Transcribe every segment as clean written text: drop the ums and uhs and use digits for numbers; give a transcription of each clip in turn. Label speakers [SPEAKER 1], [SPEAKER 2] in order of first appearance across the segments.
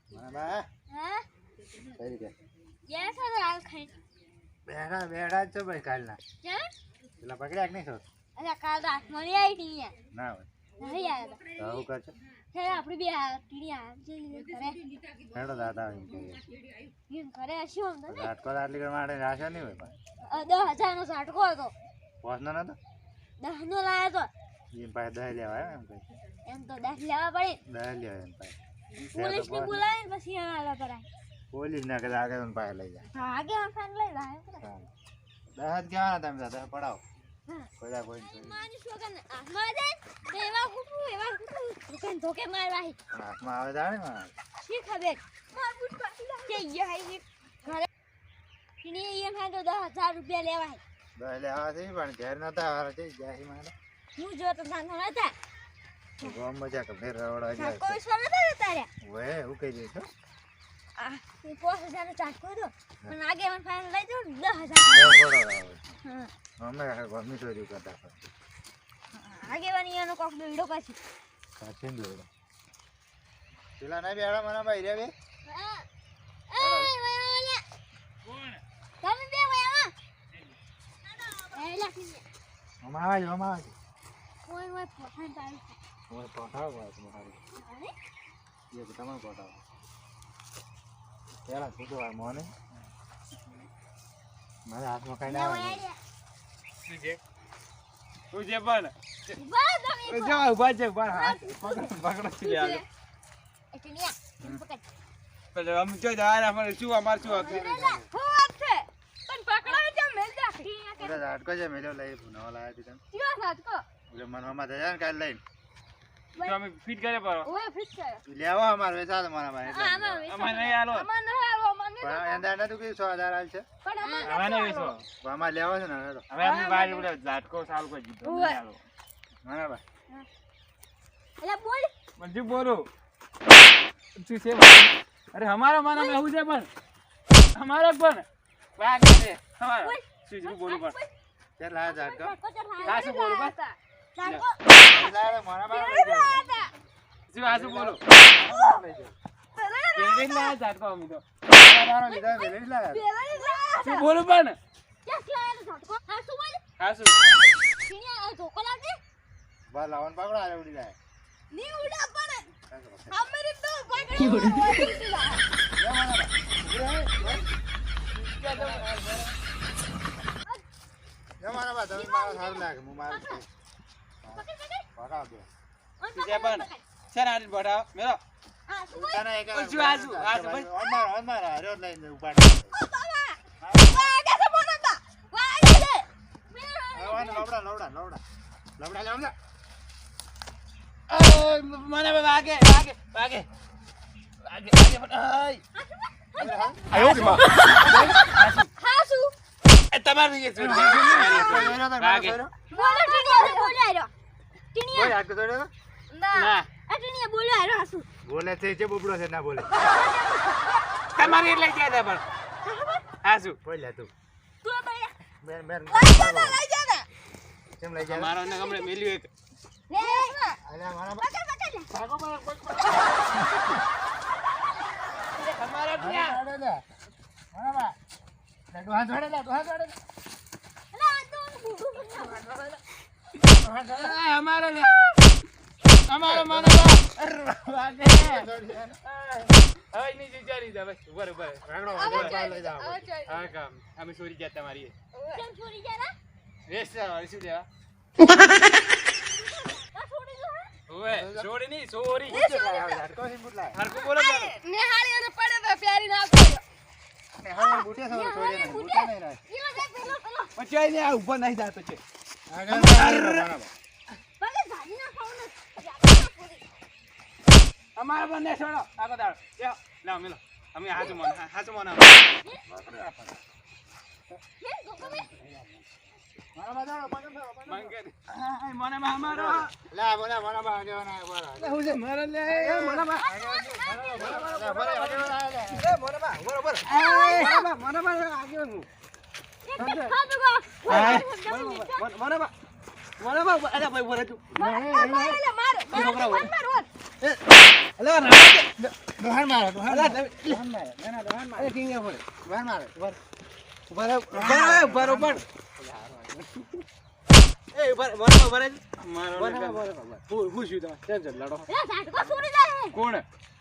[SPEAKER 1] બા
[SPEAKER 2] હા
[SPEAKER 1] કઈ રીતે
[SPEAKER 2] યે સર હાલ ખાઈ
[SPEAKER 1] બેડા બેડા છો ભાઈ કાલના
[SPEAKER 2] ક્યાં
[SPEAKER 1] પેલા પકડ્યા કે નહીં છો
[SPEAKER 2] અરે કાલ રાત મળી આવી ટી યાર
[SPEAKER 1] ના હોય
[SPEAKER 2] નહીં આવ્યા
[SPEAKER 1] તો આવું કરશે
[SPEAKER 2] હે આપણી બે ટીડી આ જે કરે
[SPEAKER 1] હેડો દાદા એમ કહીએ
[SPEAKER 2] એમ કરે શું આમ તો
[SPEAKER 1] ઝાટકો આટલી કર માટે રાશો નહીં હોય પણ
[SPEAKER 2] 10,000 નો ઝાટકો હતો
[SPEAKER 1] પહોંચનો નતો
[SPEAKER 2] 10 નો લાયો તો
[SPEAKER 1] એમ પાસે 10 લેવા એમ કઈ
[SPEAKER 2] એમ તો 10 લેવા પડે
[SPEAKER 1] 10 લેવા એમ પાસે
[SPEAKER 2] પોલીસ ને બોલાવીને પછી આલા કરાય
[SPEAKER 1] પોલીસ ના કદાચ આગળ પાસે લઈ જાય
[SPEAKER 2] હા આગે ફાન લઈ લાય
[SPEAKER 1] 10 કેવાના તમે દાદા પડાવો
[SPEAKER 2] હા
[SPEAKER 1] કોઈ કોઈ
[SPEAKER 2] માની સોગન આમાં દે એવા કુટું દુકાન ધોકે મારવાહી
[SPEAKER 1] હાથમાં આવે જાણે માં
[SPEAKER 2] શી ખબર માર બુટ પાટી કે યે ઘરે ટીડી એમ હા તો 10,000 રૂપિયા લેવાય
[SPEAKER 1] 10 લેવા છે પણ ઘેર નતા આવે છે જાય મારે
[SPEAKER 2] હું જો તો નાનો હતા
[SPEAKER 1] ગોમ મજા કે ફેર રવડા જાય
[SPEAKER 2] કોઈ સોના હતા તારે
[SPEAKER 1] વે હું કહી દઈશ
[SPEAKER 2] આ 5,000 નો ચાટકો હતો પણ આગે મને ફાઇન લઈ દો 10,000 હા
[SPEAKER 1] અમે ગમી ચોરી કરતા
[SPEAKER 2] આગે વાની એનો કોક દોડો પાછી
[SPEAKER 1] કાચીન દોડો પેલા ના બેડા મને ભાઈ રે બે
[SPEAKER 2] તમે બે વયા એ લાખી
[SPEAKER 1] અમાજ
[SPEAKER 2] કોઈ કોઈ ફોન તારી
[SPEAKER 1] ઓય પઠાવ વાત મારી
[SPEAKER 2] અરે
[SPEAKER 1] ये તમામ પઠાવ પેલા છોટો આ મોને મારા હાથમાં કઈ ના આવે
[SPEAKER 3] તું જે પણ
[SPEAKER 2] બસ તમે
[SPEAKER 3] જો ઉભા છે ઉભા હાથ પકડો છે યાર
[SPEAKER 2] એટલિયા પકડ
[SPEAKER 3] પણ આમ જો યાર અમાર શું
[SPEAKER 2] હું વાત છે પણ પકડાય છે મેલ જા
[SPEAKER 1] ઓલા ઝાટકો છે મેલો લઈ નવા લાયા હતી તમે
[SPEAKER 2] ક્યો સાચકો
[SPEAKER 1] ઓલે મનમાં થયા ને કાલ લઈને
[SPEAKER 3] તો અમે ફિટ કરે પર
[SPEAKER 2] ઓય ફિટ છે
[SPEAKER 1] લેવા અમાર વેચાલ મારા ભાઈ એટલે
[SPEAKER 3] અમાર નહીં આલો
[SPEAKER 2] અમાર ન આવો મને
[SPEAKER 1] પણ એંડા નતું કે 100,000 આલ છે
[SPEAKER 2] પણ અમાર
[SPEAKER 3] હવે નહીં વેચો
[SPEAKER 1] પણ અમાર લેવા છે ને હેડો
[SPEAKER 3] હવે અમે બાર ઉડે ઝાટકો ચાલુ કરી દીધો નહીં આલો
[SPEAKER 1] મારા ભાઈ
[SPEAKER 2] એલા બોલ
[SPEAKER 3] મંજુ બોલો શું છે અરે હમારો માના में હું છે પણ हमारा પણ વાગ છે હમારો શું બોલું પણ
[SPEAKER 1] ચાલ લાયા ઝાટકો
[SPEAKER 3] કાશું બોલું પણ
[SPEAKER 2] સાચકો
[SPEAKER 1] લાયા મારા ભાઈ
[SPEAKER 3] શું આસુ બોલો
[SPEAKER 1] લઈ જાઓ
[SPEAKER 3] પેલી ના ઝાટકો અમે તો
[SPEAKER 1] મારો લીધા વેલી લાયા
[SPEAKER 3] શું બોલું પણ આસુ
[SPEAKER 1] બા લાવન પકડો આલે ઉડી જાય મારા બા તમે મારા સારું લાગે હું મારું પકડાવ દે
[SPEAKER 3] જે પણ છે ને બઢાવ મેરો
[SPEAKER 1] તને એક
[SPEAKER 3] શું આસુ ભાઈ
[SPEAKER 1] ઓન માર હર્યો લઈને ઉપાડ લવડા
[SPEAKER 3] મને વાગે વાગે વાગે વાગે વાગે પણ આયો રે માં એ તમારું એ છોડ વાગે
[SPEAKER 1] બોલે છે બબડો છે ના બોલે
[SPEAKER 3] તમારી એટલે ક્યાં દે પણ આસુ
[SPEAKER 1] બોલ તું મેર મેર કેમ લઈ જા
[SPEAKER 3] મારો ને ગમડે મેલ્યું એક
[SPEAKER 1] અલ્યા મારા ભાગો મારા કોઈ
[SPEAKER 3] તમારા ક્યાં
[SPEAKER 1] મારા બા ડોહા જોડે
[SPEAKER 3] અમારો લે અમારો માનો વાગે હવે ની વિચારી દે બસ ઉપર ઉપર
[SPEAKER 1] લઈ જાવ
[SPEAKER 3] હા કામ અમે સોરી ગયા તમારી વેસ શું દેવા ઓએ છોડી ની સોરી
[SPEAKER 1] ઝાટકો થી મુટલા
[SPEAKER 3] હરકો બોલો
[SPEAKER 1] ને હા બુટિયા સવાર છોડે ને બુટિયા નહીં રહે
[SPEAKER 3] પછી ને આ ઉપર નહીં જાતો છે
[SPEAKER 1] આગળ મારા બા
[SPEAKER 3] અમારા બંને છોડો આગો દાડો લ્યો લાવ મેલો અમે હાચું મન
[SPEAKER 1] મારા બા જાઓ પકડ
[SPEAKER 3] મંગે મને મારો
[SPEAKER 1] લા બોલા મારા બા આગેવાના બોલા
[SPEAKER 3] હું છે મારા લે મને બા
[SPEAKER 1] ડોહાણ મારો ડોહાણ
[SPEAKER 4] અલા,
[SPEAKER 1] મારો.
[SPEAKER 4] તમે-
[SPEAKER 3] દોહાન મારે. ના, ના, દોહાન મારે.
[SPEAKER 4] અરે કિંગ પડે
[SPEAKER 1] ડોહાણ મારો.
[SPEAKER 4] ઉભા રહો, ઉભા રહો, બરોબર એ ઉભા રહો, ઉભા રહો.
[SPEAKER 3] મારો
[SPEAKER 4] બરાબર,
[SPEAKER 3] ને
[SPEAKER 4] બરાબર. હું શું તમે ટેન્શન લડો
[SPEAKER 2] એ ઝાટકો છોડી જાય
[SPEAKER 3] કોણ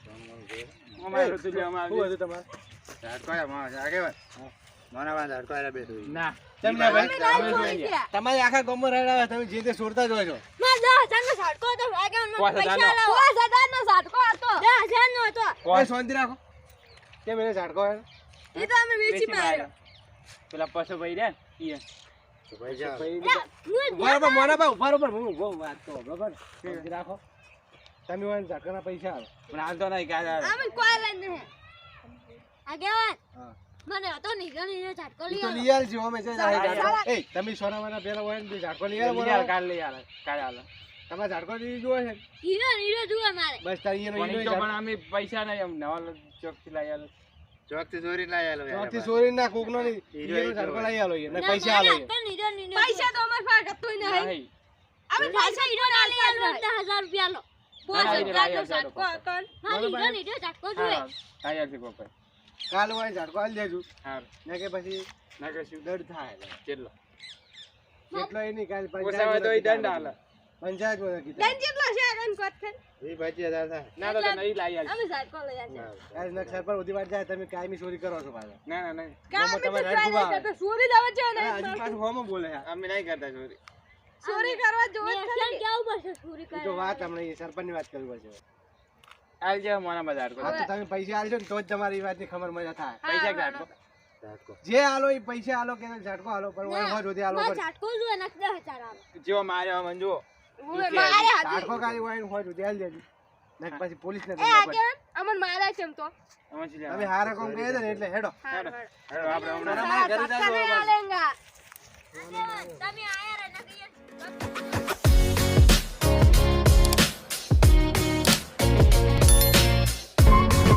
[SPEAKER 3] અમારું તો લ્યો, અમારું
[SPEAKER 4] શું
[SPEAKER 3] લ્યો.
[SPEAKER 4] હતું તમારે
[SPEAKER 1] ઝાટકો આયા, માણસ આગેવાન. મારા પાસે ઝાટકો આયા બેઠો છે.
[SPEAKER 3] ના
[SPEAKER 4] તમને ભાઈ
[SPEAKER 2] અમે લાઈન છોડી ગયા
[SPEAKER 4] તમારે આખા ગામમાં રહેલા તમે જે તે છોડતા જ હોય છો
[SPEAKER 2] માં 10,000 નો ઝાટકો હતો વાગ્યા મને
[SPEAKER 3] 5,000 નો.
[SPEAKER 2] પૈસા લાવો 5,000 નો ઝાટકો હતો 10,000 નો હતો
[SPEAKER 4] એ શાંતિ રાખો કેમ એને ઝાટકો આવે
[SPEAKER 2] એ તો અમે વેચી માર્યો
[SPEAKER 3] પેલા પશુ ભાઈ રહ્યા ને ઈ.
[SPEAKER 1] તો ભાઈ જાઓ.
[SPEAKER 4] બરાબર મોના બા ઉભા રહો પણ હું ઉભો વાત તો બરાબર શાંતિ રાખો તમે હોય ને ઝાટકાના પૈસા આવે
[SPEAKER 3] પણ હાલ તો નહીં કાંઈ હાલ.
[SPEAKER 2] અમે કોઈ લઈને નહીં આગેવાન
[SPEAKER 4] હા
[SPEAKER 2] મને હતો નહીં ગણી ઝાટકો
[SPEAKER 4] ઈ તો
[SPEAKER 2] લઈ
[SPEAKER 4] લઈ આલ છે અમે છે
[SPEAKER 2] ચાલો.
[SPEAKER 4] એ તમે સોનાવાના પેલા હોય ને ઝાટકો લઈ આલો
[SPEAKER 3] લઈ હાલ,
[SPEAKER 4] બરાબર
[SPEAKER 3] કાલ લઈ હાલ, કાલ હાલ.
[SPEAKER 4] તમારે ઝાટકો લઈ જોવે છે
[SPEAKER 2] હીરો જુએ મારે
[SPEAKER 4] બસ તારી એનો
[SPEAKER 3] પણ ઈ
[SPEAKER 4] ઈનો
[SPEAKER 3] તો પણ અમે પૈસા નહીં, એમ નવા ચોકથી લઈ આલો.
[SPEAKER 1] ચોકથી ચોરી લાવી આલો યાર.
[SPEAKER 4] ચોથી સોરી ના કોક નો નહીં
[SPEAKER 1] હીરો
[SPEAKER 4] ઈનો ઝાટકો લઈ આલો ને
[SPEAKER 2] ના,
[SPEAKER 4] પૈસા આલો
[SPEAKER 2] મારે હતો હીરો પૈસા તો અમાર પાસે હતો નહીં
[SPEAKER 3] નહીં.
[SPEAKER 2] અમે પૈસા હીરો ના લઈ આલો 10,000 રૂપિયા લો
[SPEAKER 3] ના, ના, હીરો લઈ આવજો
[SPEAKER 2] ઝાટકો
[SPEAKER 3] તો
[SPEAKER 2] હતો મારે હીરો ઝાટકો
[SPEAKER 3] હા,
[SPEAKER 2] જોઈએ
[SPEAKER 3] હા, લઈ આવશે કોક ભાઈ.
[SPEAKER 4] કાલ હોય ઝાટકો આલી દેજો
[SPEAKER 3] હારું.
[SPEAKER 4] ને કે પછી
[SPEAKER 3] ના કશું.
[SPEAKER 4] દર્દ થાય
[SPEAKER 3] કેટલો?
[SPEAKER 4] કેટલો એ નહીં કાલ
[SPEAKER 3] ઓછામાં તો ઈ દંડ હાલે.
[SPEAKER 4] પંચાયત માં કીધું
[SPEAKER 2] કેટલો છે આગળ કોટ છે
[SPEAKER 1] 20,000 થાય.
[SPEAKER 3] ના તો નહીં લઈ આવશે.
[SPEAKER 2] અમે ઝાટકો લઈ આવ્યા
[SPEAKER 4] આજ નક્ષર પર ઉધી વાર જાય તમે કાયમી ચોરી કરો છો પાછા
[SPEAKER 3] ના, ના, નહીં.
[SPEAKER 4] ગામમાં તમારે રાડ ખૂબ આવે.
[SPEAKER 2] ચોરી જવા છે
[SPEAKER 4] અરે હજી પાછું હોમાં બોલે છે.
[SPEAKER 3] અમે નહીં કરતા ચોરી.
[SPEAKER 2] ચોરી કરવા જોવે છે કેવું પડશે ચોરી
[SPEAKER 4] ઈ તો વાત હમણાં એ સરપંચની વાત કરવી પડશે
[SPEAKER 3] હાલ જાઓ મોના બજાર
[SPEAKER 4] હા તો તમે પૈસા આલશો ને તો જ તમારી એ વાતની ખબર મજા થાય
[SPEAKER 3] પૈસા કાઢો.
[SPEAKER 1] ઝાટકો.
[SPEAKER 4] જે આલો એ પૈસા આલો કે ઝાટકો આલો પણ હોય હોય સુધી આલો પણ
[SPEAKER 2] ઝાટકો જોઈએ ને 10,000 આવે
[SPEAKER 3] જેવો માર્યો મને જુઓ.
[SPEAKER 2] મારે
[SPEAKER 4] ઝાટકો કાઢી હોય ને હોય સુધી આલી દેજો ને પછી પોલીસ ને
[SPEAKER 2] એ આગળ અમન મારા છે એમ તો
[SPEAKER 3] આમાં શું લેવાનું?
[SPEAKER 4] તમે હારા કામ કહી દો ને એટલે હેડો
[SPEAKER 3] હેડો, આપણે હમણાં
[SPEAKER 4] મારા ઘરે જાજો.
[SPEAKER 2] તમે આયા રે ના કહીએ